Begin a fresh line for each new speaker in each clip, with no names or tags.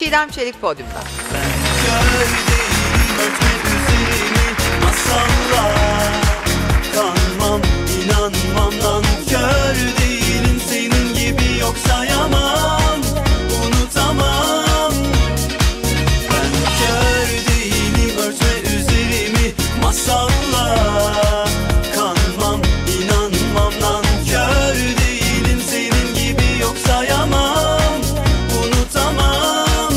Çiğdem Çelik podyumda.
Kanmam, inanmam lan, kör değilim senin gibi, yok sayamam, unutamam. Ben kör değilim, örtme üzerimi masalla. Kanmam, inanmam lan, kör değilim senin gibi, yok sayamam, unutamam.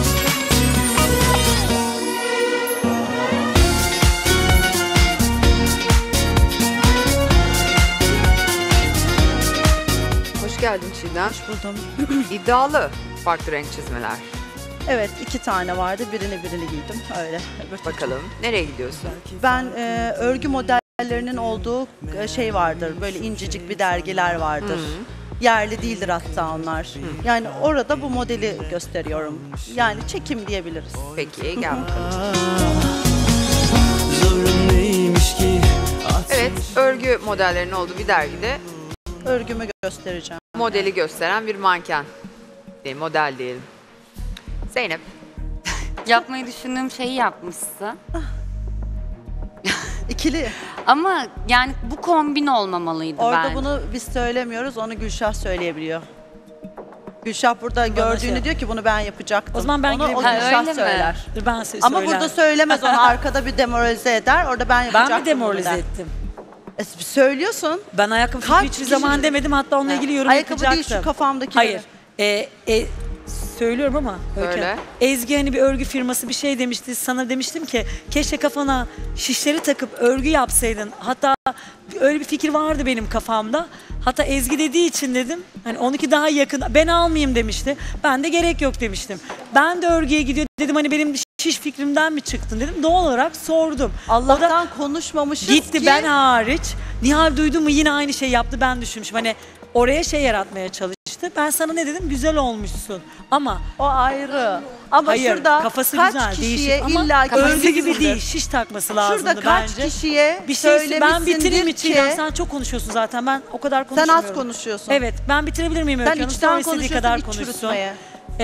Hoş geldin Çiğdem.
Hoş buldum.
İddialı farklı renk çizmeler.
Evet, 2 tane vardı. Birini giydim. Öyle.
Bakalım nereye gidiyorsun?
Ben örgü modellerinin olduğu şey vardır. Böyle incecik bir dergiler vardır. Yerli değildir hatta onlar. Yani orada bu modeli gösteriyorum. Yani çekim diyebiliriz.
Peki gel bakalım.
Zorun neymiş ki?
Evet, örgü modellerinin olduğu bir dergide
Örgümü göstereceğim.
modeli gösteren bir manken. Değil, model diyelim. Zeynep.
Yapmayı düşündüğüm şeyi yapmışsın.
İkili.
Ama yani bu kombin olmamalıydı
Orada
bence.
bunu biz söylemiyoruz. Onu Gülşah söyleyebiliyor. Gülşah burada gördüğünü diyor ki bunu ben yapacaktım.
O zaman ben
onu
girebilirim.
Gülşah
öyle mi?
söyler.
Dur ben size
Ama
söylerim.
burada söylemez, onu arkada bir demoralize eder. Orada ben yapacaktım.
Ben mi demoralize
bunu der.
ettim?
Söylüyorsun.
Ben ayakkabı
Kaç
fikri hiçbir zaman
kişi-
demedim, hatta onunla ilgili yorum
Ayakkabı
yapacaktım.
değil, şu kafamdaki.
Hayır. Söylüyorum ama.
Söyle.
Ezgi hani bir örgü firması bir şey demişti. Sana demiştim ki keşke kafana şişleri takıp örgü yapsaydın. Hatta öyle bir fikir vardı benim kafamda. Hatta Ezgi dediği için dedim. Hani onunki daha yakın. Ben almayayım demişti. Ben de gerek yok demiştim. Ben de örgüye gidiyor dedim, hani benim şiş fikrimden mi çıktın dedim. Doğal olarak sordum.
Allah'tan konuşmamışız
Gitti
ki.
ben hariç. Nihal duydu mu yine aynı şey yaptı, ben düşünmüşüm. Hani oraya şey yaratmaya çalıştı. Ben sana ne dedim? Güzel olmuşsun. Ama
O ayrı. Ama
hayır,
şurada
kafası
kaç
güzel,
kişiye
değişik ama
illa
örgü gibi
görmüşsündür.
değil. Şiş takması lazımdı
Şurada kaç
bence.
kişiye
Bir şey ben bitireyim mi
söylemişsindir
Çiğdem?
ki
Sen çok konuşuyorsun zaten. Ben o kadar
sen
konuşmuyorum.
az konuşuyorsun.
Evet, ben bitirebilir miyim Öykü
Sen
Hanım?
içten
Sonra istediği
konuşuyorsun,
kadar
iç
konuşsun.
çürütmeye.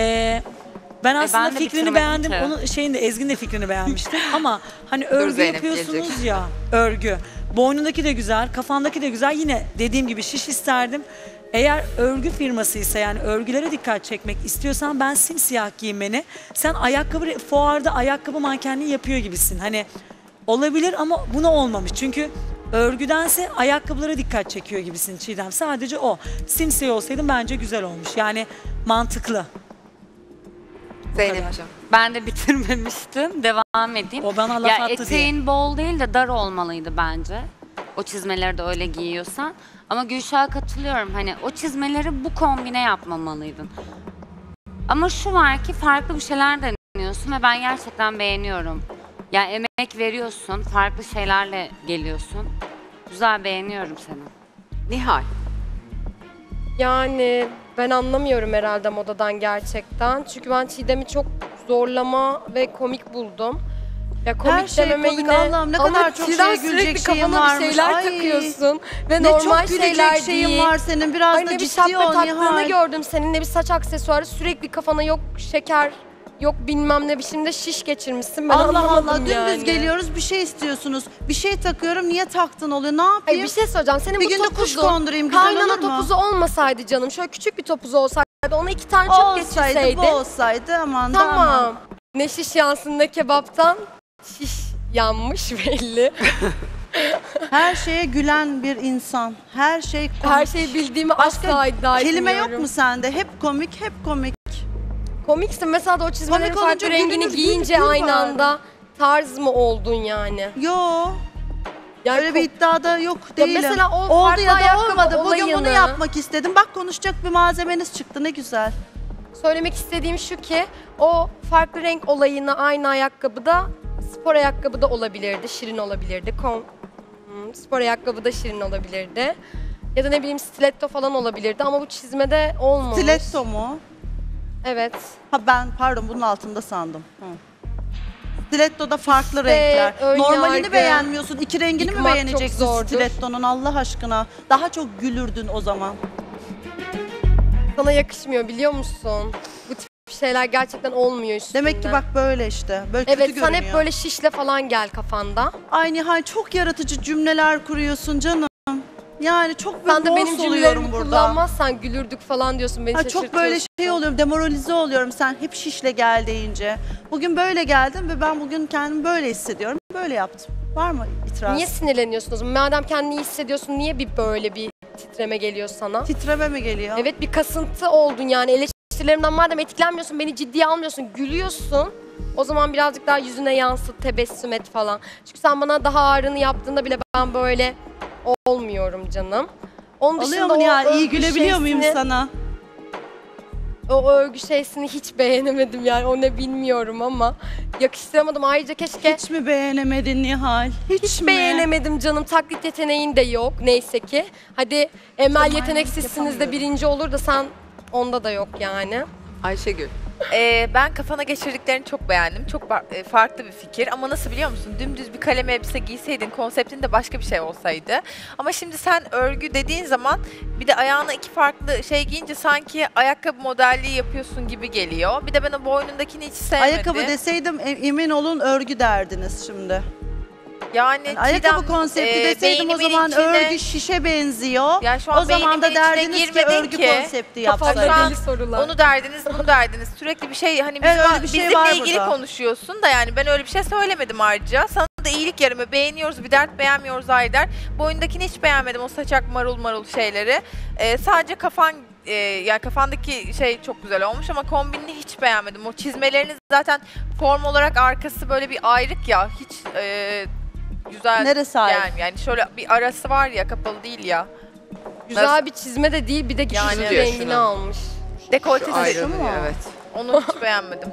Ben aslında
ben de
fikrini
bitiremedim
beğendim.
ki.
Onun şeyin de Ezgi'nin de fikrini beğenmiştim. Ama hani örgü
Zeynep
yapıyorsunuz
gelecek.
ya. Örgü. Boynundaki de güzel, kafandaki de güzel. Yine dediğim gibi şiş isterdim. Eğer örgü firmasıysa, yani örgülere dikkat çekmek istiyorsan ben simsiyah giyinmeni. Sen ayakkabı fuarda ayakkabı mankenliği yapıyor gibisin. Hani olabilir ama buna olmamış. Çünkü örgüdense ayakkabılara dikkat çekiyor gibisin Çiğdem. Sadece o. Simsiyah olsaydın bence güzel olmuş. Yani mantıklı.
Zeynep'ciğim.
Ben de bitirmemiştim. Devam edeyim.
O bana laf
Ya
attı diye.
eteğin bol değil de dar olmalıydı bence. O çizmeleri de öyle giyiyorsan. Ama Gülşah'a katılıyorum. Hani o çizmeleri bu kombine yapmamalıydın. Ama şu var ki farklı bir şeyler deniyorsun ve ben gerçekten beğeniyorum. Yani emek veriyorsun, farklı şeylerle geliyorsun. Güzel, beğeniyorum seni.
Nihal.
Yani ben anlamıyorum herhalde modadan gerçekten. Çünkü ben Çiğdem'i çok zorlama ve komik buldum. Ya komik
Her şey
dememe
komik,
yine...
Allah'ım, ne
Ama
kadar çok
Çiğdem
şeye gülecek
sürekli
şeyin
kafana
varmış.
bir şeyler
Ay.
takıyorsun. Ve
Ne
normal
çok
şeyler
gülecek şeyin
değil.
var senin. Biraz
Ay
da
ne bir
ciddi
şapka
ol
taktığını
Nihal.
gördüm senin, ne bir saç aksesuarı, sürekli kafana yok şeker, yok bilmem ne biçimde şiş geçirmişsin. Ben
Allah
anlamadım
Allah, dümdüz
yani.
geliyoruz, bir şey istiyorsunuz. Bir şey takıyorum, niye taktın oluyor, ne
Ay
yapayım?
bir şey söyleyeceğim. Senin
Bir
bu
günde kuş
topuzun
kondurayım, güzel
kaynana
olur mu?
topuzu olmasaydı canım. Şöyle küçük bir topuzu olsaydı, ona 2 tane çöp
Olsaydı,
geçirseydin.
bu olsaydı, aman da aman.
Tamam. Ne şiş yansın ne kebaptan şiş yanmış belli.
Her şeye gülen bir insan. Her şey komik.
Her şeyi bildiğimi asla iddia
kelime
etmiyorum.
yok mu sende? Hep komik, hep komik.
Komiksin. Mesela da o çizmelerin
Komik olunca
farklı rengini
gülünüz,
giyince
gül
aynı
var.
anda tarz mı oldun yani?
Yo.
Yani
Öyle bir iddiada yok
Ya
değilim.
mesela o
oldu
farklı
ya da
ayakkabı
olmadı. Bugün bunu
olayını-
yapmak istedim. Bak, konuşacak bir malzemeniz çıktı, ne güzel.
Söylemek istediğim şu ki o farklı renk olayını aynı ayakkabıda, spor ayakkabıda olabilirdi, şirin olabilirdi. Spor ayakkabıda şirin olabilirdi. Ya da ne bileyim stiletto falan olabilirdi ama bu çizmede olmamış.
Stiletto mu?
Evet.
Ha, ben pardon, bunun altında sandım. Hı. Stiletto'da farklı
İşte
renkler.
ön
Normalini
yargı,
beğenmiyorsun. İki rengini mi
yıkmak çok
beğeneceksin
zordur.
stiletto'nun, Allah aşkına? Daha çok gülürdün o zaman.
Sana yakışmıyor biliyor musun? Bu tip şeyler gerçekten olmuyor üstünde.
Demek ki bak böyle işte. Böyle kötü
Evet,
görünüyor.
sen hep böyle şişle falan gel kafanda.
Ay Nihal çok yaratıcı cümleler kuruyorsun canım. Yani çok
Sen de
böyle
benim
boss oluyorum
cümlelerimi
burada.
kullanmazsan gülürdük falan diyorsun, beni
Ha,
şaşırtıyorsun.
çok böyle şey oluyorum, demoralize oluyorum sen hep şişle gel deyince. Bugün böyle geldim ve ben bugün kendimi böyle hissediyorum. Böyle yaptım. Var mı itiraz?
Niye sinirleniyorsun o zaman? Madem kendini iyi hissediyorsun, niye böyle bir titreme geliyor sana?
Titreme mi geliyor?
Evet, bir kasıntı oldun yani. Eleştirilerimden madem etkilenmiyorsun, beni ciddiye almıyorsun, gülüyorsun. O zaman birazcık daha yüzüne yansıt, tebessüm et falan. Çünkü sen bana daha ağrını yaptığında bile ben böyle olmuyorum canım. Onun
Oluyor
dışında
mu Nihal?
o
İyi
övgü
gülebiliyor muyum
şeysini-
sana?
O övgü şeysini hiç beğenemedim yani, o ne bilmiyorum ama yakıştıramadım. Ayrıca keşke
Hiç mi beğenemedin Nihal? Hiç mi?
beğenemedim canım. Taklit yeteneğin de yok neyse ki. Hadi Emel
Tamam,
yeteneksizsiniz de
yapamıyorum.
birinci olur da sen onda da yok yani.
Ayşegül.
Ben kafana geçirdiklerini çok beğendim. Çok farklı bir fikir ama nasıl biliyor musun? Dümdüz bir kalem elbise giyseydin, konseptin de başka bir şey olsaydı. Ama şimdi sen örgü dediğin zaman bir de ayağına iki farklı şey giyince sanki ayakkabı modelliği yapıyorsun gibi geliyor. Bir de ben o boynundakini hiç sevmedim.
Ayakkabı deseydim emin olun örgü derdiniz şimdi.
Yani
Ayakkabı
Çiğdem,
konsepti deseydim o
beynimin
zaman
içine-
örgü şişe benziyor.
Ya şu an
O zaman da
beynimin içine
derdiniz ki
girmedin
örgü
ki.
konsepti
Kafamda
yapsaydın.
deli sorular.
Onu derdiniz, bunu derdiniz. Sürekli bir şey hani
Evet, öyle bir şey
bizimle
var
ilgili
burada.
konuşuyorsun da yani ben öyle bir şey söylemedim ayrıca. Sana da iyilik yarımı beğeniyoruz, bir dert beğenmiyoruz Ayder. Boyundakini hiç beğenmedim, o saçak marul marul şeyleri. Sadece yani kafandaki şey çok güzel olmuş ama kombinini hiç beğenmedim. O çizmeleriniz zaten form olarak arkası böyle bir ayrık ya, hiç güzel.
Neresi ayrık?
Yani şöyle bir arası var ya, kapalı değil ya.
Güzel bir çizme de değil, bir de
Yani
güçlü
diyor
rengini
şunu.
almış.
Dekoltesi
Ayrı, evet.
onu hiç beğenmedim.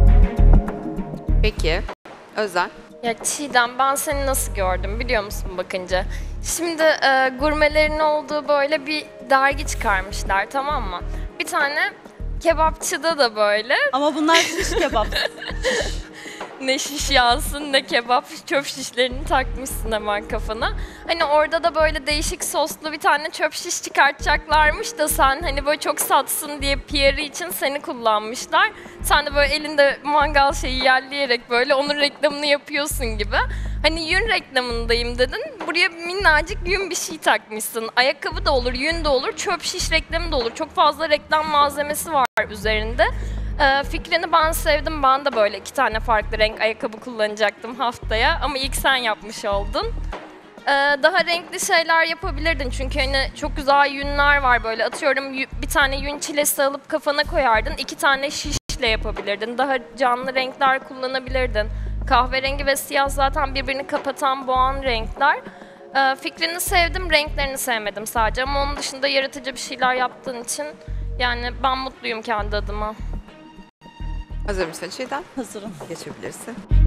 Peki. Özel.
Ya Çiğdem, ben seni nasıl gördüm biliyor musun bakınca? Şimdi gurmelerin olduğu böyle bir dergi çıkarmışlar, tamam mı? Bir tane kebapçıda da böyle
Ama bunlar şiş kebap.
ne şiş yansın ne kebap, çöp şişlerini takmışsın hemen kafana. Hani orada da böyle değişik soslu bir tane çöp şiş çıkartacaklarmış da sen hani böyle çok satsın diye PR'ı için seni kullanmışlar. Sen de böyle elinde mangal şeyi yerleyerek böyle onun reklamını yapıyorsun gibi. Hani yün reklamındayım dedin, buraya minnacık yün bir şey takmışsın. Ayakkabı da olur, yün de olur, çöp şiş reklamı da olur. Çok fazla reklam malzemesi var üzerinde. Fikrini ben sevdim. Ben de böyle 2 tane farklı renk ayakkabı kullanacaktım haftaya. Ama ilk sen yapmış oldun. Daha renkli şeyler yapabilirdin. Çünkü hani çok güzel yünler var böyle. Atıyorum bir tane yün çilesi alıp kafana koyardın. 2 tane şişle yapabilirdin. Daha canlı renkler kullanabilirdin. Kahverengi ve siyah zaten birbirini kapatan boğan renkler. Fikrini sevdim, renklerini sevmedim sadece. Ama onun dışında yaratıcı bir şeyler yaptığın için yani ben mutluyum kendi adıma.
Hazır mısın Çiğdem?
Hazırım.
Geçebilirsin.